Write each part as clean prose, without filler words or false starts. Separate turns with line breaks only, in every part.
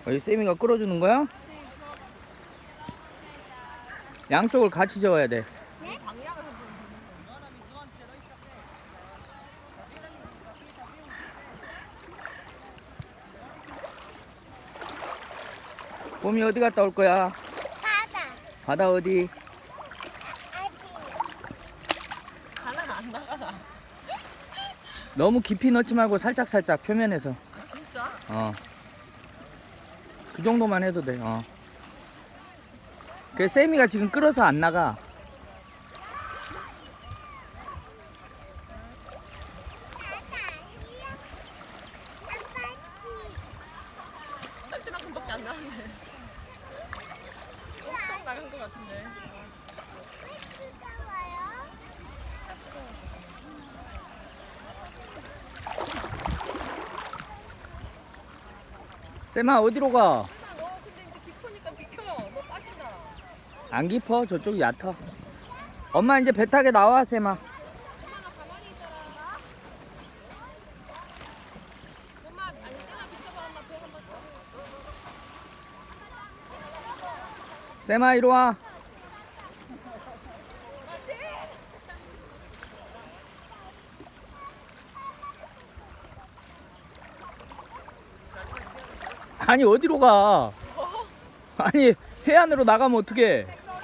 여기 쌤이가 끌어주는 거야? 양쪽을 같이 저어야 돼.
네?
봄이 어디 갔다 올 거야?
바다.
바다 어디?
가면 안 나가나?
너무 깊이 넣지 말고 살짝살짝 표면에서.
아 진짜?
그 정도만 해도 돼. 그 쌤이가 지금 끌어서 안 나가.
엉덩이만큼밖에 안 나왔네. 엄청 나간 것 같은데.
쌤아 어디로 가?
너 근데 이제 깊으니까 비켜. 너 빠진다.
안 깊어? 저쪽이 얕아. 엄마 이제 배 타게 나와 쌤아.
엄마가 가만히 있어라. 엄마 아니 쌤아 비켜봐. 엄마 배 한번 더.
쌤아 이리 와. 아니 어디로 가? 아니 해안으로 나가면 어떡해?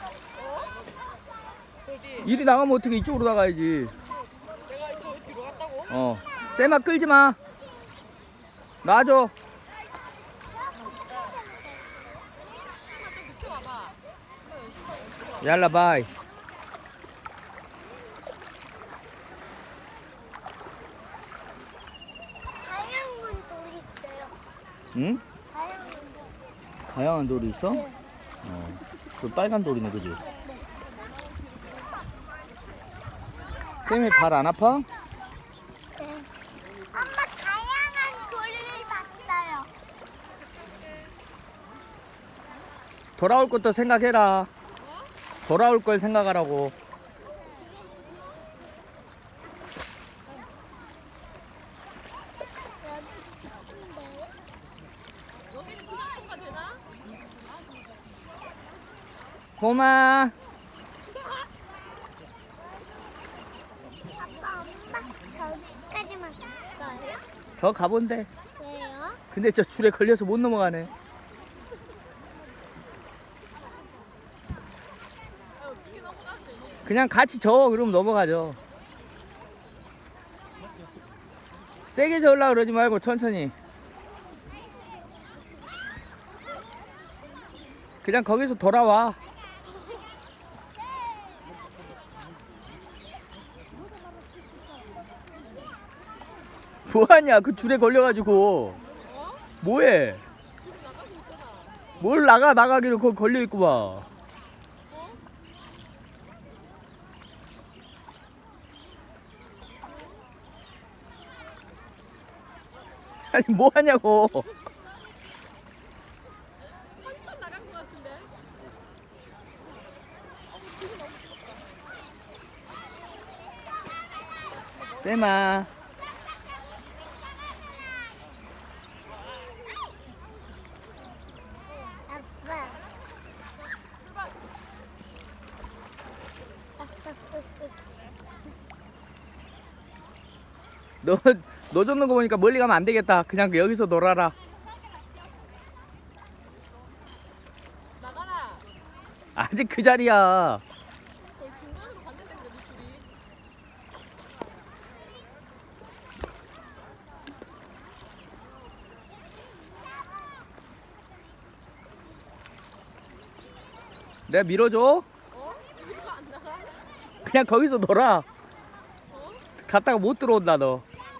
어디?
이리 나가면 어떡해? 이쪽으로 나가야지.
내가 저 뒤로 갔다고?
쌤아 끌지 마. 놔줘.
좀 비켜봐봐.
얄라 바이.
다양한 돌이 있어요.
응?
다양한 돌.
다양한 돌이 있어?
네.
그 빨간 돌이네 그지? 쌤이 발 안 아파?
네. 엄마 다양한 돌을 봤어요.
돌아올 것도 생각해라. 돌아올 걸 생각하라고.
여기는 그냥 통과 되나?
봄아.
아빠, 엄마 저기까지만 갈까요?
더 가본대.
왜요?
근데 저 줄에 걸려서 못 넘어가네.
어떻게 넘어가는데?
그냥 같이 저어 그러면 넘어가죠. 세게 저으려고 그러지 말고 천천히. 그냥 거기서 돌아와. 뭐하냐 그 줄에 걸려가지고. 뭐해?
지금 나가고 있잖아.
뭘 나가기로 거기 걸려있고 봐. 아니 뭐하냐고.
한참 나간 것 같은데?
쌤아.
아빠.
너 줬는 거 보니까 멀리 가면 안 되겠다. 그냥 여기서 놀아라.
나가라.
아직 그 자리야.
거의 중간으로 갔는데 그래도 둘이.
내가 밀어줘.
여기가 안 나가?
그냥 거기서 놀아. 갔다가 못 들어온다 너.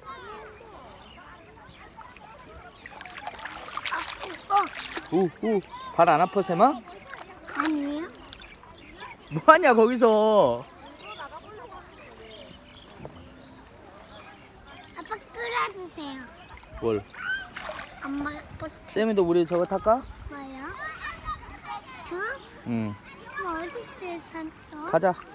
발 안 아파 쌤아?
아니에요?
뭐하냐 거기서.
아빠 끌어주세요.
뭘?
엄마 보트
쌤이도 우리 저거 탈까?
뭐요? 저?
응.
어디 있어요, 산초?
가자.